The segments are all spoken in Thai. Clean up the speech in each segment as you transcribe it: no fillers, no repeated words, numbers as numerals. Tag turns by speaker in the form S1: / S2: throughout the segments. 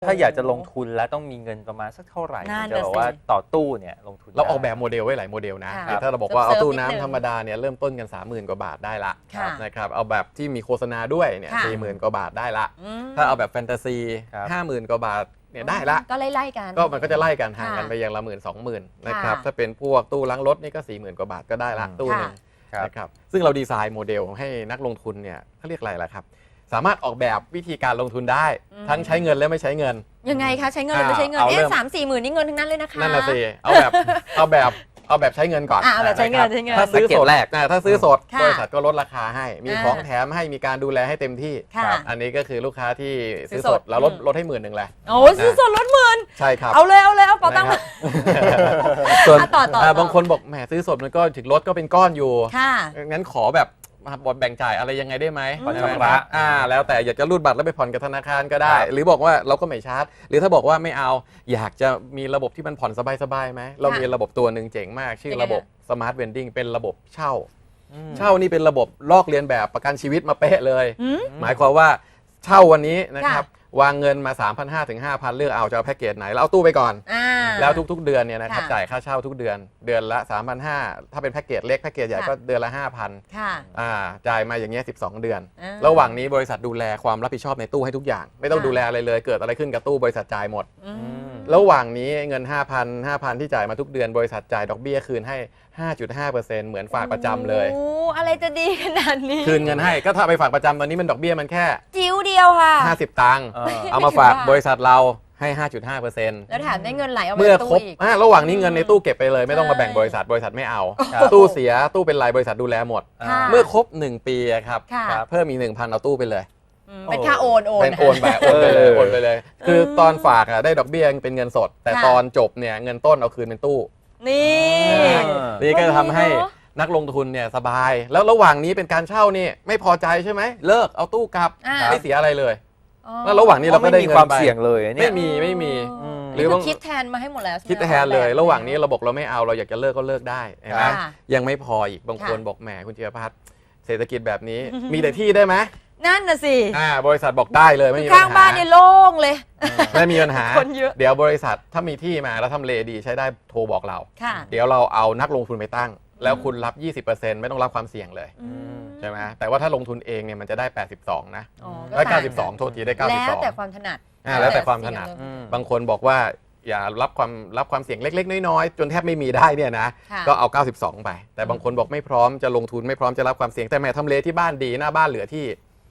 S1: ถ้าอยากจะลงทุนแล้วต้องมีเงินประมาณสักเท่าไหร่
S2: นั่น
S1: จะ
S2: น่ะ
S1: บอกว่า
S2: สิ
S1: ต่อตู้เนี่ยลงทุน
S3: เราออก
S1: ได้
S3: แบบโมเดลไว้หลายโมเดลนะ
S2: ค่ะ
S3: คือถ้าเราบอกว่าเอาตู้
S2: นิดนึง
S3: น้ำธรรมดาเนี่ยเริ่มต้นกัน 30,000 กว่าบาทได้ละ
S2: ค่ะ
S3: นะครับเอาแบบที่มีโฆษณาด้วยเนี่ย
S2: ค่ะ
S3: 40,000 กว่าบาทได้ละ
S2: อืม
S3: ถ้าเอาแบบแฟนตาซี
S1: ครับ
S3: 50,000 กว่าบาทเนี่ยได้ละ
S2: ก็ไล่ๆกัน
S3: ก็มันก็จะไล่กันห่างกัน
S2: ค่ะ
S3: ไปอย่างละ10,000 20,000นะครับ
S2: ค่ะ
S3: ถ้าเป็นพวกตู้ล้างรถนี่ก็ 40,000 กว่าบาทก็ได้ละตู้หนึง
S1: ครับ
S3: นะครับซึ่งเราดีไซน์โมเดลให้นักลงทุนเนี่ยเขาเรียกอะไรล่ะครับสามารถออกแบบวิธีการลงทุนได้ ทั้งใช้เงินและไม่ใช้เงิน
S2: ยังไงคะใช้เงินหรือไม่ใช้เงิน
S3: เอาเริ่ม
S2: 3-4 หมื่นนี่เงินทั้งนั้นเลยนะคะ
S3: นั่นน่ะสิเอาแบบใช้เงินก่อน
S2: เอาแบบใช้เงิน
S3: นะครับ
S2: ใช้เงิน
S3: ถ้าซื้อสด
S1: แรก
S3: ถ้าซื้อสด
S2: ค่ะ
S3: บริษัทก็ลดราคาให้มีของแถมให้มีการดูแลให้เต็มที่
S2: ค่ะ
S3: ครับอันนี้ก็คือลูกค้าที่ซื้อ
S2: ซื้อ
S3: ส
S2: ส
S3: ด
S2: ด
S3: แล้วลดให้10,000แหละ
S2: โอ้ยซื้อสดลดหมื่น
S3: ใช่ครับ
S2: เอาเลยเอาเป๋าตังค์
S3: นะ
S2: มา
S3: ครับส่วน
S2: ต่อ
S3: บางคนบอกแหมซื้อสดมันก็ถึงลดก็เป็นก้อนอยู่
S2: ค่ะ
S3: งั้นขอแบบแบ่งจ่ายอะไรยังไงได้ไหม
S2: ผ่อน
S3: ใช่ไหม
S1: ชำระ
S3: ครับแล้วแต่อยากจะรูดบัตรแล้วไปผ่อนกับธนาคารก็ได้ หรือบอกว่าเราก็ไม่ชาร์จ หรือถ้าบอกว่าไม่เอาอยากจะมีระบบที่มันผ่อนสบายๆไหมเรามีระบบตัวหนึ่งเจ๋งมาก ชื่อระบบสมาร์ทเวนดิ้งเป็นระบบเช่า เช่านี่เป็นระบบลอกเลียนแบบประกันชีวิตมาเป๊ะเลย
S2: อืม
S3: หมายความว่าเช่าวันนี้นะครับ
S2: ค่ะ
S3: วางเงินมา 3,500 ถึง 5,000 เลือกเอาจะเอาแพ็กเกจไหนแล้วเอาตู้ไปก่อน
S2: อ่า
S3: แล้วทุกๆเดือนเนี่ยนะครับ
S2: ค่ะ
S3: จ่ายค่าเช่าทุกเดือนเดือนละ 3,500 ถ้าเป็นแพ็กเกจเล็กแพ็กเกจใหญ่
S2: ค่ะ
S3: ก็เดือนละ 5,000
S2: ค่ะ
S3: จ่ายมาอย่างเงี้ย12 เดือน
S2: อ่า
S3: ระหว่างนี้บริษัทดูแลความรับผิดชอบในตู้ให้ทุกอย่าง ไม่ต้อง
S2: ค่ะ
S3: ดูแลอะไรเลย เกิดอะไรขึ้นกับตู้บริษัทจ่ายหมด
S2: อืม
S3: ระหว่างนี้เงิน 5,000 ที่จ่ายมาทุกเดือนบริษัทจ่ายดอกเบี้ยคืนให้ 5.5% เหมือนฝากประจำเลย
S2: โอ้อะไรจะดีขนาดนี้
S3: คืนเงินให้ก็ถ้าไปฝากประจำตอนนี้มันดอกเบี้ยมันแค่
S2: จิ๋วเดียวค่ะ
S3: 50 ตังค์ เอามาฝากบริษัทเราให้ 5.5%
S2: แล้วแถมได้เงินไหลออกมา
S3: เมื่อ
S2: จาก
S3: คร
S2: ตู้
S3: บ
S2: อีก
S3: ระหว่างนี้เงินในตู้เก็บไปเลยไม่ต้องมา
S2: ใช่
S3: แบ่งบริษัทไม่เอา
S1: ครับ
S3: ตู้เสียตู้เป็นรายบริษัทดูแลหมด
S2: ค่ะ
S3: เมื่อครบ 1 ปีอะครับ
S2: ค่ะ
S3: เพิ่มอีก 1,000 เอาตู้ไปเลย
S2: เป็นค่าโอน
S3: เป็นโอนไปโอนไปเลยโอนไปเลย คือ
S2: เออ
S3: ตอนฝากอะได้ดอกเบี้ยเป็นเงินสด แต่
S2: ค่ะ
S3: ตอนจบเนี่ยเงินต้นเอาคืนเป็นตู้
S2: นี่
S3: นี่ก็จะทำให้นักลงทุนเนี่ยสบาย แล้วระหว่างนี้เป็นการเช่านี่ไม่พอใจใช่ไหมเลิกเอาตู้กลับ
S2: อ่า
S3: ไม่เสียอะไรเลย
S2: อ๋อ
S3: แล้วระหว่างนี้เราก็ได้
S1: ไม่มี
S3: เงิน
S1: ความ
S3: ไป
S1: เสี่ยงเลยเนี่
S3: ไม่
S1: ย
S3: มี
S2: อ๋อ
S3: หรือบาง
S2: นี่คิดแทนมาให้หมดแล้วใช่ไหม
S3: คิดแทนเลย
S2: แบบ
S3: ระหว่างนี้เราบอกเราไม่เอาเราอยากจะเลิกก็เลิกได้เห็นไหม
S2: ค่ะ
S3: ยังไม่พออีกบางคน
S2: ค่ะ
S3: บอกแหมคุณเจียพัฒน์เศรษฐกิจแบบนี้ มีแต่ที่ได้ไหม
S2: นั่นน่ะสิ
S3: บริษัทบอกได้เลยไม่มีปัญ
S2: ข้าง
S3: หา
S2: บ้านนี่โล่งเลย
S3: ไม่มีปัญหา
S2: คนเยอะ
S3: เดี๋ยวบริษัทถ้ามีที่มาแล้วทำเลดีใช้ได้โทรบอกเรา
S2: ค่ะ
S3: เดี๋ยวเราเอานักลงทุนไปตั้ง แล้วคุณรับ 20%ไม่ต้องรับความเสี่ยงเลย
S2: อืม
S3: ใช่ไหมแต่ว่าถ้าลงทุนเองเนี่ยมันจะได้ 82 นะ
S2: อ๋อ
S3: ได้
S2: ต่างกัน
S3: 92 โทษทีได้
S2: แล้วแต่
S3: 92
S2: ความถนัด
S3: แล้วแต่ความถนัด
S2: เสี่ยงเลย
S3: บางคนบอกว่าอย่ารับความเสี่ยงเล็ก ๆ น้อยๆจนแทบไม่มีได้เนี่ยนะ
S2: ค่ะ
S3: ก็เอา 92 ไป แต่บางคนบอกไม่พร้อมจะลงทุนไม่พร้อมจะรับความเสี่ยงแต่แม่ทำเลที่บ้านดีหน้าบ้านเหลือที่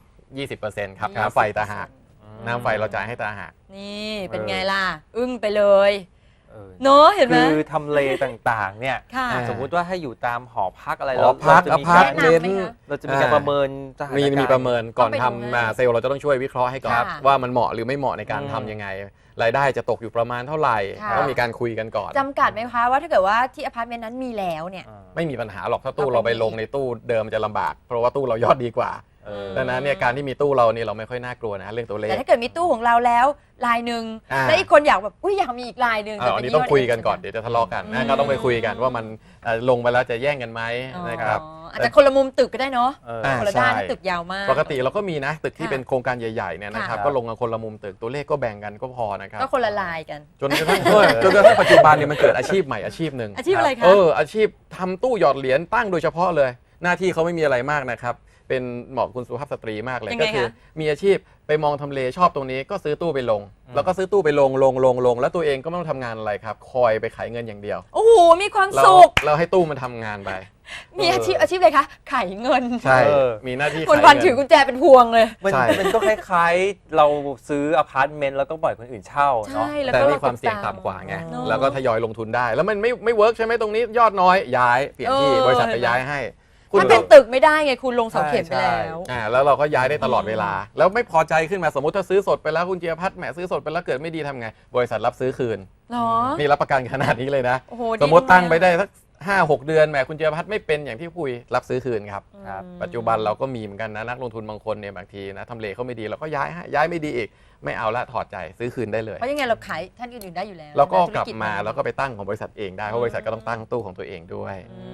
S3: 20%ครับน้ำไฟตาหากน้ำไฟเราจ่ายให้ตาหาก
S2: นี่เป็นไงล่ะ อึ้งไปเลย
S1: เออ
S2: เนอะเห็นไหม
S1: คือทำเลต่างๆเนี่ย
S2: ค่ะ
S1: สมมุติว่าให้อยู่ตามหอพักอะไร
S3: หอพัก
S1: เราจะมี
S3: อพาร์ต
S1: การ
S3: เมนต์
S1: เราจะมีการประเมินสถาน
S3: มี
S1: การณ์
S3: ประเมินก่อน
S2: ต้องไปดู
S3: ทำ
S2: ให้
S3: เซลล์เราจะต้องช่วยวิเคราะห์ให้ก่อน
S2: ค่ะ
S3: ว่ามันเหมาะหรือไม่เหมาะในการทำยังไง รายได้จะตกอยู่ประมาณเท่าไหร่
S2: ค่ะ
S3: ต้องมีการคุยกันก่อน
S2: จำกัดไหมคะว่าถ้าเกิดว่าที่อพาร์ตเมนต์นั้นมีแล้วเนี่ย
S3: ไม่มีปัญหาหรอกถ้าตู้
S2: เอาไป
S3: เราไปลงในตู้เดิมจะลำบาก เพราะว่าตู้เรายอดดีกว่า ดังนั้นเนี่ยการที่มีตู้เรานี่เราไม่ค่อยน่ากลัวนะเรื่องตัวเลข
S2: แต่ถ้าเกิดมีตู้ของเราแล้วลายหนึ่ง แล้วอีกคนอยากแบบอุ้ยอยากมีอีกลายหนึ่ง
S3: อันนี้ต้องคุยกันก่อนเดี๋ยวจะทะเลาะกันนะก็ต้องไปคุยกันว่ามันลงไปแล้วจะแย่งกันไหมนะครับ
S2: อาจจะคนละมุมตึกก็ได้เนาะ
S3: อ่า
S2: คนละด้าน
S3: ใช่
S2: ถ้าตึกยาวมาก
S3: ปกติเราก็มีนะตึกที่
S2: ค่ะ
S3: เป็นโครงการใหญ่ๆเนี่ยนะครับ
S1: ค่ะ
S3: ก็ลงกันคนละมุมตึกตัวเลขก็แบ่งกันก็พอนะครับ
S2: ก็คนละลายกัน
S3: จนกระทั่งปัจจุบันเนี่ยมันเกิดอาชีพใหม่อาชีพหนึ่ง
S2: อาชีพอะไรคะ
S3: อาชีพทำตู้หยอดเหรียญตั้งโดยเฉพาะเลย หน้าที่เขาไม่มีอะไรมากนะครับ เป็นเหมาะกับคุณสุภาพสตรีมากเลย
S2: ยังไง
S3: ก็คือ
S2: คะ
S3: มีอาชีพไปมองทำเลชอบตรงนี้ก็ซื้อตู้ไปลง แล้วก็ซื้อตู้ไปลงแล้วตัวเองก็ไม่ต้องทำงานอะไรครับ คอยไปขายเงินอย่างเดียว
S2: โอ้โหมีความ
S3: เรา
S2: สุข
S3: เราให้ตู้มันทำงานไป
S2: มีอาชีพอะไรคะขายเงิน
S3: ใช่
S1: เออ
S3: มีหน้าที่
S2: คน
S3: ขาย
S2: วัน
S3: เงิ
S2: ถือกุญแจเป็นพวงเลย
S1: มัน
S3: ใช่
S1: มันก็คล้ายๆ เราซื้ออพาร์ตเมนต์แล้วก็ปล่อยคนอื่นเช่าเนาะ
S2: ใช่แล้ว
S3: แต่
S2: ก็
S3: มีความเสี่ยงต่ำกว่าไง
S2: เนอะ
S3: แล้วก็ทยอยลงทุนได้ แล้วมันไม่เวิร์กใช่ไหมตรงนี้ยอดน้อยย้ายเปลี่ยนที่
S2: เออ
S3: บริษัทไปย้ายให้
S2: ถ้าเป็นตึกไม่ได้ไงคุณลงเสาเข็มไป
S1: ใช่
S2: แล้ว
S3: แล้วเราก็ย้ายได้ตลอดเวลา แล้วไม่พอใจขึ้นมาสมมติถ้าซื้อสดไปแล้วคุณเจียพัฒน์แหมซื้อสดไปแล้วเกิดไม่ดีทำไง บริษัทรับซื้อคืน
S2: เหรอ
S3: นี่รับประกันขนาดนี้เลยนะ
S2: โอ้โห
S3: สมมติ
S2: จั
S3: ตั้งไปได้สัก5-6 เดือนแหมคุณเจียพัฒน์ไม่เป็นอย่างที่คุยรับซื้อคืนครับ
S1: ครับ
S3: ปัจจุบันเราก็มีเหมือนกันนะนักลงทุนบางคนเนี่ยบางทีนะทำเลเขาไม่ดีเราก็ย้ายไม่ดีอีกไม่เอาละถอดใจซื้อคืนได้เลย
S2: เพราะยังไงเราขายท่านอื่นๆได้อยู่แล้ว
S3: แล้วก็
S2: ธุ
S3: กลับ
S2: จ
S3: มาแล้วก็ไปตั้งของบริษัทเองได้เพราะบริษัทก็ต้องตั้งตู้ของตัวเองด้วย
S2: อืม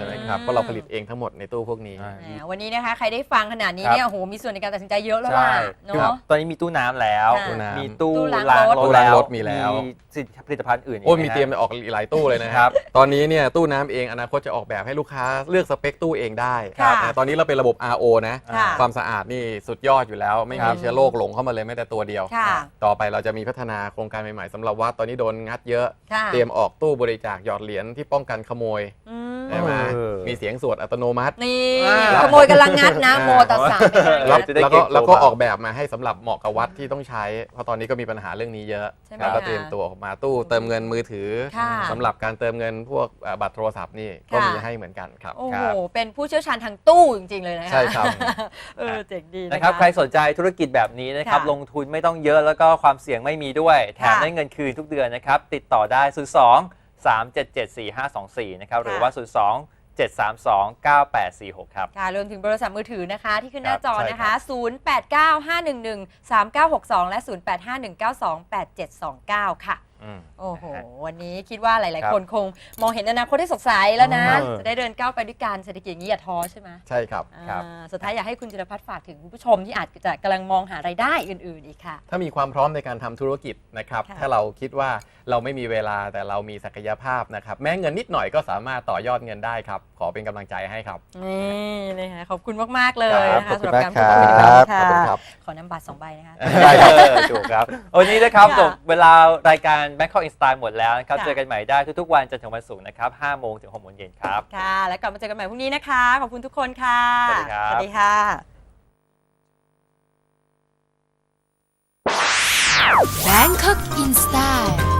S3: ใช่ไหมครับเพราะเราผลิตเองทั้งหมดในตู้พวกนี้
S1: ใช่
S2: แหมวันนี้นะคะใครได้ฟังขนาดนี้เนี่ยโอ้โหมีส่วนในการตัดสินใจเยอะแล้วล่ะ
S1: ใช่
S2: เนา
S1: คือ
S2: ะ
S1: ตอนนี้มีตู้น้ำแล้ว
S2: ค่ะ
S3: ตู้น้ำ
S1: มีตู้
S2: ตู้ล้าง
S1: ล้าง
S2: รถ
S1: รถ
S3: ตู้ล้างรถมีแล้ว
S1: ผลิตภัณฑ์อื่น
S3: โอ้ย
S1: ก
S3: มี
S1: นะ
S3: เตรียมจะออกหลายตู้เลยนะครับ ตอนนี้เนี่ยตู้น้ำเองอนาคตจะออกแบบให้ลูกค้าเลือกสเปคตู้เองได้
S2: ค่ะ
S3: ตอนนี้เราเป็นระบบ RO นะ
S2: ค่ะ
S3: ความสะอาดนี่สุดยอดอยู่แล้ว ไม่
S1: ครั
S3: มี
S1: บ
S3: เชื้อโรคหลงเข้ามาเลยแม้แต่ตัวเดียว
S2: ค่ะ
S3: ต่อไปเราจะมีพัฒนาโครงการใหม่ๆสำหรับวัดตอนนี้โดนงัดเยอะ
S2: ค่ะ
S3: เตรียมออกตู้บริจาคหยอดเหรียญที่ป้องกันขโมย
S2: อืม
S3: ใช่ไหม
S1: เออ
S3: มีเสียงสวดอัตโนมัติ
S2: นี่
S1: อ่า
S2: ขโมยกำลังงัดนะโมตัสสะ
S3: แล้ว
S1: จะได้
S3: แล้ว
S1: เก็
S3: ก็
S1: บตัว
S3: แล้วก็
S1: บ้าง
S3: ออกแบบมาให้สำหรับเหมาะกับวัดที่ต้องใช้ เพราะตอนนี้ก็มีปัญหาเรื่องนี้เยอะ
S2: ใช่ไหม
S3: แล้วก็
S2: คะ
S3: เตรียมตัวออกมาตู้เติมเงินมือถือ
S2: ค่ะ
S3: สำหรับการเติมเงินพวกบัตรโทรศัพท์นี่ก็
S2: ค่ะ
S3: มีให้เหมือนกันครับ
S2: โอ้
S3: ค
S2: โห
S3: รับ
S2: เป็นผู้เชี่ยวชาญทางตู้จริงๆเลยนะคะ
S3: ใช่ครับ
S2: เจ๋งดี
S1: นะครับ ใครสนใจธุรกิจแบบนี้นะครับ
S2: ค่ะ
S1: ลงทุนไม่ต้องเยอะแล้วก็ความเสี่ยงไม่มีด้วย แถม
S2: ค่ะ
S1: ได้เงินคืนทุกเดือนนะครับ ติดต่อได้ 02 377 4524 นะครับ หรือว่า 02 732 9846 ครับ
S2: ค่ะรวมถึงโทรศัพท์มือถือนะคะ ที่ขึ้นหน้าจอ
S1: ใช่
S2: นะ
S1: ครั
S2: คะ
S1: บ
S2: 0895113962 และ 0851928729 ค่ะ
S1: อืม
S2: โอ้โห
S1: นะฮะ
S2: วันนี้คิดว่าหลาย
S1: ครับ
S2: ๆ คนคงมองเห็นอนาคตที่สดใสแล้วนะ
S1: เออ
S2: จะได้เดินก้าวไปด้วยกันเศรษฐกิจอย่างนี้อย่าท้อใช่ไหม
S3: ใช่ครับ
S1: ครับ
S2: สุดท้ายอยากให้คุณจิรพัฒน์ฝากถึงคุณผู้ชมที่อาจจะกำลังมองหารายได้อื่น ๆ อีกค่ะ
S3: ถ้ามีความพร้อมในการทำธุรกิจนะครับ
S2: ค่ะ
S3: ถ้าเราคิดว่าเราไม่มีเวลาแต่เรามีศักยภาพนะครับ แม้เงินนิดหน่อยก็สามารถต่อยอดเงินได้ครับ ขอเป็นกำลังใจให้ครับ
S2: นี่นะคะขอบคุณมาก ๆ เลย
S3: ครับ
S2: นะคะ
S3: ขอบคุ
S2: สำห
S3: ณ
S2: รับ
S3: มาก
S2: การพูดคุยใน
S3: ค
S2: วัน
S3: รับ
S2: นี้ค่ะ
S3: ขอบคุณครับ
S2: ขอนำบัตร2 ใบนะคะ
S1: ได้ครับถูกครับ วันนี้นะครับ
S2: ค่ะ
S1: จบเวลารายการ Bangkok in Style หมดแล้วนะครับ
S2: ค่ะ
S1: เจอกันใหม่ได้ทุกๆวันจันทร์ถึงวันศุกร์นะครับ 5 โมงถึง 6 โมงเย็นครับ
S2: ค่ะ แล้วกลับมาเจอกันใหม่พรุ่งนี้นะคะ ขอบคุณทุกคนค่ะ
S1: สวัสดีครับ
S2: สวัสดีค่ะ
S4: Bangkok in Style